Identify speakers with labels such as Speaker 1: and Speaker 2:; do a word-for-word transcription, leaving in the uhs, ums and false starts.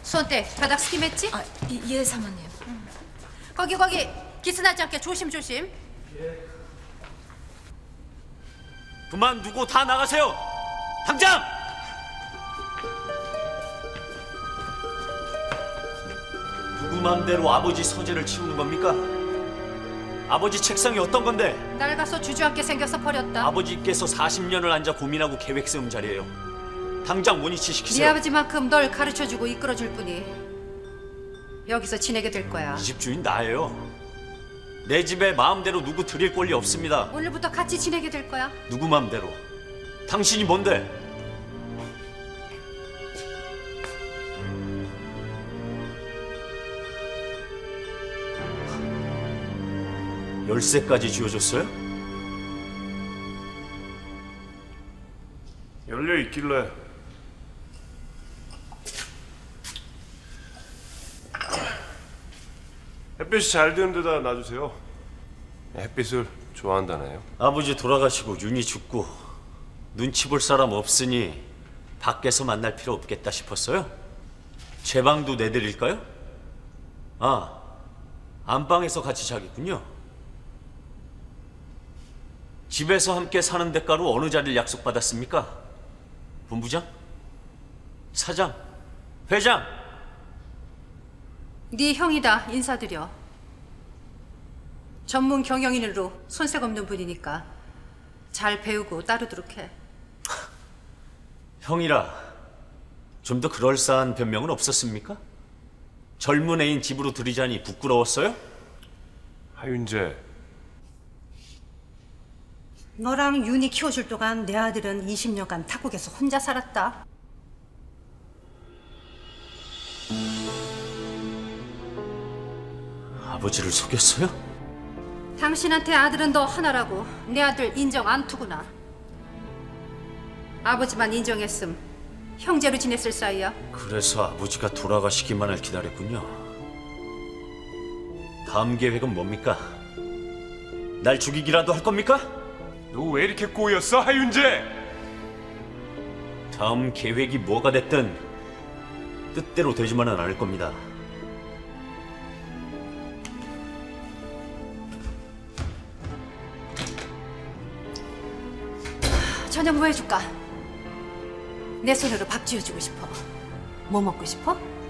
Speaker 1: 손대 바닥 스팀했지?
Speaker 2: 아, 예, 예 사모님.
Speaker 1: 응. 거기 거기 기스나지 않게 조심 조심.
Speaker 3: 예. 그만두고 다 나가세요. 당장! 누구 맘대로 아버지 서재를 치우는 겁니까? 아버지 책상이 어떤 건데?
Speaker 1: 낡아서 주저앉게 생겨서 버렸다.
Speaker 3: 아버지께서 사십 년을 앉아 고민하고 계획 세운 자리예요. 당장 원위치
Speaker 1: 네
Speaker 3: 시키세요.
Speaker 1: 아버지만큼 널 가르쳐주고 이끌어줄 뿐이 여기서 지내게 될 거야.
Speaker 3: 이 집 주인 나예요. 내 집에 마음대로 누구 들일 권리 없습니다.
Speaker 1: 오늘부터 같이 지내게 될 거야.
Speaker 3: 누구 맘대로? 당신이 뭔데? 열쇠까지 쥐어줬어요?
Speaker 4: 열려 있길래. 햇빛이 잘 드는 데다 놔주세요. 햇빛을 좋아한다네요.
Speaker 3: 아버지 돌아가시고 윤희 죽고 눈치 볼 사람 없으니 밖에서 만날 필요 없겠다 싶었어요? 제 방도 내드릴까요? 아, 안방에서 같이 자겠군요. 집에서 함께 사는 대가로 어느 자리를 약속받았습니까? 본부장? 사장? 회장?
Speaker 1: 네 형이다. 인사드려. 전문 경영인으로 손색 없는 분이니까 잘 배우고 따르도록 해.
Speaker 3: 형이라 좀 더 그럴싸한 변명은 없었습니까? 젊은 애인 집으로 들이자니 부끄러웠어요?
Speaker 4: 하윤재,
Speaker 1: 너랑 윤이 키워줄 동안 내 아들은 이십 년간 타국에서 혼자 살았다.
Speaker 3: 아버지를 속였어요?
Speaker 1: 당신한테 아들은 너 하나라고 내 아들 인정 안 투구나. 아버지만 인정했음 형제로 지냈을 사이야.
Speaker 3: 그래서 아버지가 돌아가시기만을 기다렸군요. 다음 계획은 뭡니까? 날 죽이기라도 할 겁니까?
Speaker 4: 너 왜 이렇게 꼬였어, 하윤재?
Speaker 3: 다음 계획이 뭐가 됐든 뜻대로 되지만은 않을 겁니다.
Speaker 1: 저녁 뭐 해줄까? 내 손으로 밥 지어주고 싶어. 뭐 먹고 싶어?